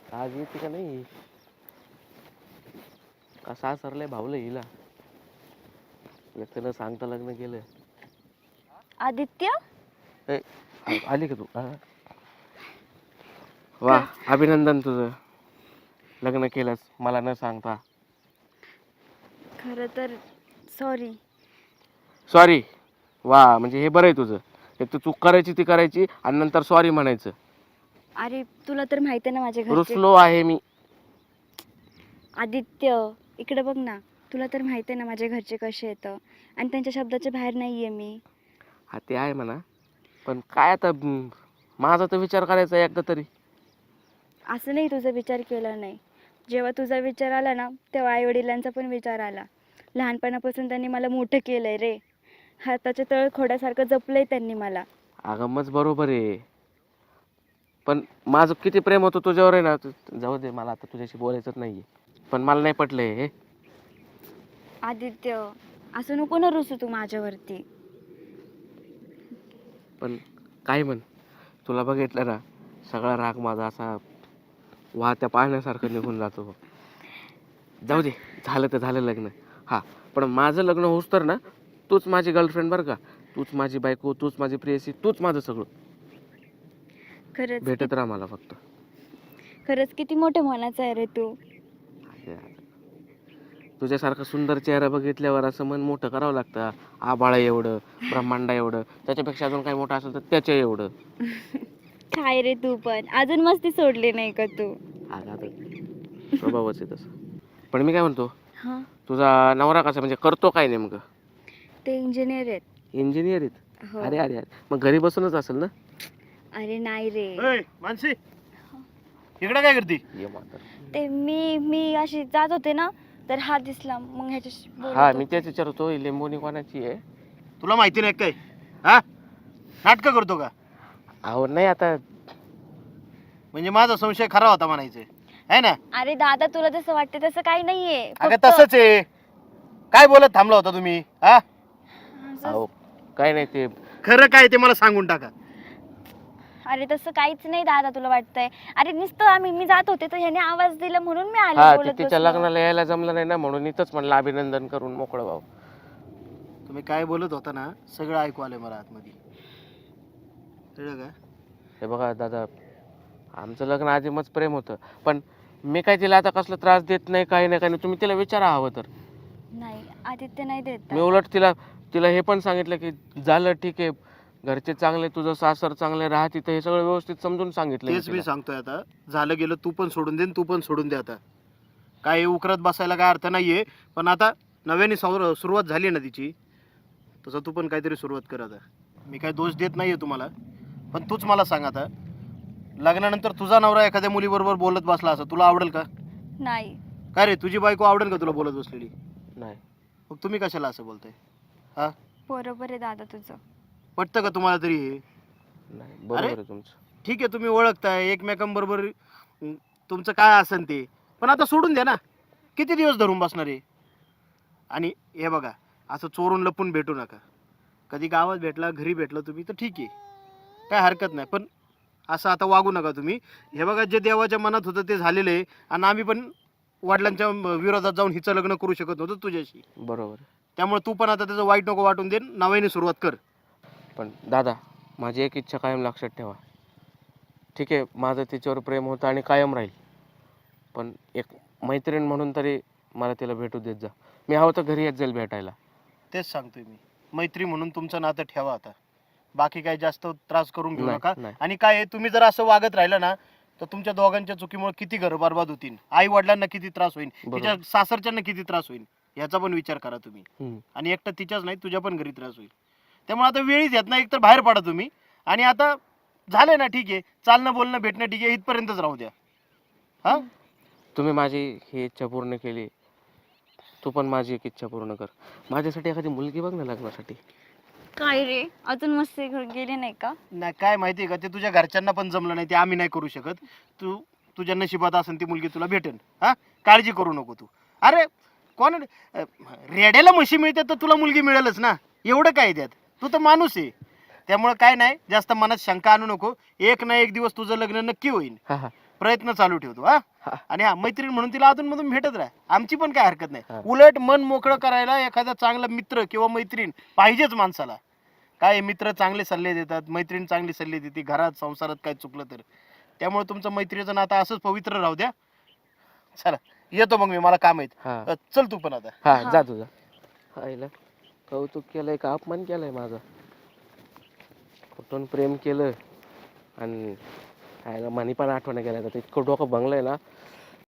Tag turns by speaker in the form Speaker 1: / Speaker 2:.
Speaker 1: आज येते का नाही का सासरले भावलं हिला त्यानं सांगता लग्न केलं.
Speaker 2: आदित्य
Speaker 1: ए, आली का तू वा अभिनंदन तुझं लग्न केलंस मला न सांगता.
Speaker 2: खरं तर सॉरी.
Speaker 1: सॉरी वा म्हणजे हे बरं आहे तुझं. एक तर चूक करायची ती करायची आणि नंतर सॉरी म्हणायचं.
Speaker 2: अरे तुला तर माहिती आहे ना माझे घरचे.
Speaker 1: रुसलो आहे मी.
Speaker 2: आदित्य इकडे बघ ना, तुला तर माहिती आहे ना माझे घरचे कसे येतं आणि त्यांच्या शब्दाच्या बाहेर नाही आहे मी.
Speaker 1: हा ते आहे म्हणा पण काय आता माझा तर विचार करायचा एकदा तरी.
Speaker 2: असं नाही तुझा विचार केला नाही. जेव्हा तुझा विचार आला ना तेव्हा आईवडिलांचा पण विचार आला. लहानपणापासून त्यांनी मला मोठं केलं आहे रे. हाताच्या तळ खोड्यासारखं जपलं आहे त्यांनी मला.
Speaker 1: अगं मग बरोबर आहे पण माझं किती प्रेम होतं तुझ्यावर आहे ना. जाऊ दे मला आता तुझ्याशी बोलायचंच नाहीये पण मला नाही पटलंय हे.
Speaker 2: आदित्य असं नको ना रुसू तू माझ्यावरती.
Speaker 1: पण काय म्हण तुला बघितलं ना सगळा राग माझा असा वाहत्या पाण्यासारखं निघून जातो. जाऊ दे झालं तर झालं लग्न. हा पण माझं लग्न होऊस तर ना तूच माझी गर्लफ्रेंड बरं का. तूच माझी बायको तूच माझी प्रेयसी तूच माझं सगळं.
Speaker 2: खरंच
Speaker 1: भेटत राहा मला फक्त.
Speaker 2: खरंच किती मोठे मनाचा आहे रे तू.
Speaker 1: तुझ्यासारखा सुंदर चेहरा बघितल्यावर असं मन मोठं करावं लागतं. आबाळा एवढं ब्रह्मांडा एवढं त्याच्यापेक्षा अजून काही मोठं असेल तर त्याच्या एवढं.
Speaker 2: काय रे तू पण अजून मस्ती सोडली नाही का तू.
Speaker 1: आता स्वभावच आहे तसं. पण मी काय म्हणतो
Speaker 2: हां
Speaker 1: तुझा नवरा कसा म्हणजे करतो काय नेमकं.
Speaker 2: ते इंजिनियर आहेत.
Speaker 1: इंजिनियर आहेत.
Speaker 2: हो.
Speaker 1: अरे अरे अरे मग घरी बसूनच असेल ना.
Speaker 2: अरे नाही रे.
Speaker 3: मानसी इकडे काय करते?
Speaker 1: ये म्हातारं.
Speaker 2: ते मी अशी जात होते ना तर हा दिसला मग ह्याच्याशी बोलत
Speaker 1: हा
Speaker 2: होते.
Speaker 1: मी तेच विचारतो ही लिंबोनी कोणाची आहे.
Speaker 3: तुला माहिती नाही काय? हा नाटकं करतो का?
Speaker 1: अहो नाही आता
Speaker 3: म्हणजे माझा संशय खरा होता म्हणायचं आहे ना?
Speaker 2: अरे दादा तुला जसं वाटतं तसं काही नाहीये.
Speaker 3: अगं
Speaker 2: फक्त
Speaker 3: तसंच आहे. काय बोलत थांबला होता तुम्ही? हा
Speaker 2: असं-
Speaker 1: अहो काय नाही ते
Speaker 3: खरं काय ते मला सांगून टाका.
Speaker 2: अरे तसं काहीच नाही दादा तुला वाटतंय. अरे नुसतं मी जात होते तर ह्याने आवाज दिला म्हणून मी आले
Speaker 1: हा ते
Speaker 2: बोलत
Speaker 1: तिच्या
Speaker 2: बसलो.
Speaker 1: लग्नाला यायला जमलं नाही ना म्हणून इथंच म्हणलं अभिनंदन करून मोकळं व्हावं.
Speaker 3: तुम्ही काय बोलत होता ना सगळं ऐकू आलंय मला आतमध्ये. कळलं का?
Speaker 1: हे बघा दादा आमचं लग्न आधी मग प्रेम होतं पण मी काय तिला आता कसला त्रास देत नाही काही नाही काही नाही. तुम्ही तिला विचारा हवं तर.
Speaker 2: नाही आदित्य नाही देत.
Speaker 1: मी उलट तिला तिला हे पण सांगितलं की झालं ठीक आहे घरचे चांगले तुझं सासर चांगले राहा तिथं हे सगळं व्यवस्थित समजून सांगितलं
Speaker 3: तेच मी
Speaker 1: तिला.
Speaker 3: सांगतोय आता. झालं गेलं तू पण सोडून दे आणि तू पण सोडून दे आता. काय उकरत बसायला काय अर्थ नाहीये. पण आता नव्याने सुरुवात झाली ना तिची तसं तू पण काहीतरी सुरुवात कर आता. मी काय दोष देत नाहीये तुम्हाला पण तूच मला सांग आता लग्नानंतर तुझा नवरा एखाद्या मुलीबरोबर बोलत बसला असं तुला आवडेल का?
Speaker 2: नाही.
Speaker 3: काय रे तुझी बायको आवडेल का तुला बोलत बसलेली?
Speaker 1: नाही
Speaker 3: मग तुम्ही कशाला असं बोलताय? हा
Speaker 2: बरोबर आहे दादा तुझं.
Speaker 3: पटतं का तुम्हाला तरी हे?
Speaker 1: नाही बरोबर आहे तुमचं.
Speaker 3: ठीक आहे तुम्ही ओळखताय एकमेकांबरोबर तुमचं काय असेल ते पण आता सोडून द्या ना. किती दिवस धरून बसणार आहे? आणि हे बघा असं चोरून लपून भेटू नका. कधी गावात भेटला घरी भेटला तुम्ही तर ठीक आहे काय हरकत नाही पण असं आता वागू नका तुम्ही. हे बघा जे देवाच्या मनात होतं ते झालेलं आहे आणि आम्ही पण वडिलांच्या विरोधात जाऊन हिचं लग्न करू शकत नव्हतं तुझ्याशी.
Speaker 1: बरोबर आहे.
Speaker 3: त्यामुळे तू पण आता त्याचं वाईट नको वाटून दे नव्याने सुरुवात कर.
Speaker 1: पण दादा माझी एक इच्छा कायम लक्षात ठेवा. ठीक आहे माझं तिच्यावर प्रेम होतं आणि कायम राहील पण एक मैत्रीण म्हणून तरी मला तिला भेटू देत जा. मी हवं तर घरी येत जाईल भेटायला.
Speaker 3: तेच सांगतोय मी. मैत्री म्हणून तुमचं नातं ठेवा आता. बाकी काही जास्त त्रास करून घेऊ
Speaker 1: नाही,
Speaker 3: नका.
Speaker 1: नाही.
Speaker 3: आणि काय आहे, तुम्ही जर असं वागत राहिलं ना तर तुमच्या दोघांच्या चुकीमुळे किती घर बरबाद होतील. आई वडिलांना किती त्रास होईल
Speaker 1: बरोबर.
Speaker 3: तिच्या सासरच्यांना किती त्रास होईल याचा पण विचार करा तुम्ही.
Speaker 1: हम्म.
Speaker 3: आणि एकटं तिच्याच नाही तुझ्या पण घरी त्रास होईल. त्यामुळे आता वेळीच येत ना एकतर बाहेर पडा तुम्ही. आणि आता झालंय ना ठीक आहे चालणं बोलणं भेटणं ठीक आहे इथपर्यंतच राहू द्या. हा
Speaker 1: तुम्ही माझी ही इच्छा पूर्ण केली तू पण माझी एक इच्छा पूर्ण कर. माझ्यासाठी एखादी मुलगी बघ ना लग्नासाठी.
Speaker 2: काय रे अजून मस्ती गेली नाही का?
Speaker 3: नाही काय माहिती आहे का ते तुझ्या घरच्यांना पण जमलं नाही ते आम्ही नाही करू शकत. तू तुझ्या नशिबात असेल ती मुलगी तुला भेटेल. हा काळजी करू नको तू. अरे कोण रेड्याला म्हशी मिळते तर तुला मुलगी मिळेलच ना. एवढं काय त्यात तू तर माणूस आहे. त्यामुळे काय नाही जास्त मनात शंका आणू नको. एक ना एक दिवस तुझं लग्न नक्की होईल.
Speaker 1: हा हा
Speaker 3: प्रयत्न चालू ठेवतो हा.
Speaker 1: हा.
Speaker 3: आणि हा मैत्रीण म्हणून तिला अधून मधून भेटत राहा, आमची पण काय हरकत
Speaker 1: हा.
Speaker 3: नाही. उलट मन मोकळं करायला एखादा चांगला मित्र किंवा मैत्रीण पाहिजेच माणसाला. काय मित्र चांगले सल्ले देतात, मैत्रीण चांगली सल्ले देते घरात संसारात काय चुकलं तर. त्यामुळे तुमचं मैत्रीचं नातं असंच पवित्र राहू द्या. चला येतो मग मी, मला काम आहेत.
Speaker 1: हा
Speaker 3: चल तू पण आता.
Speaker 1: हा
Speaker 2: हा.
Speaker 1: जा तुझा. आईला कौतुक केलंय का अपमान केलाय माझा? कुठून प्रेम केलं आणि आईला मनी पण आठवण गेलं. तर इतकं डोकं भंगलंय ना,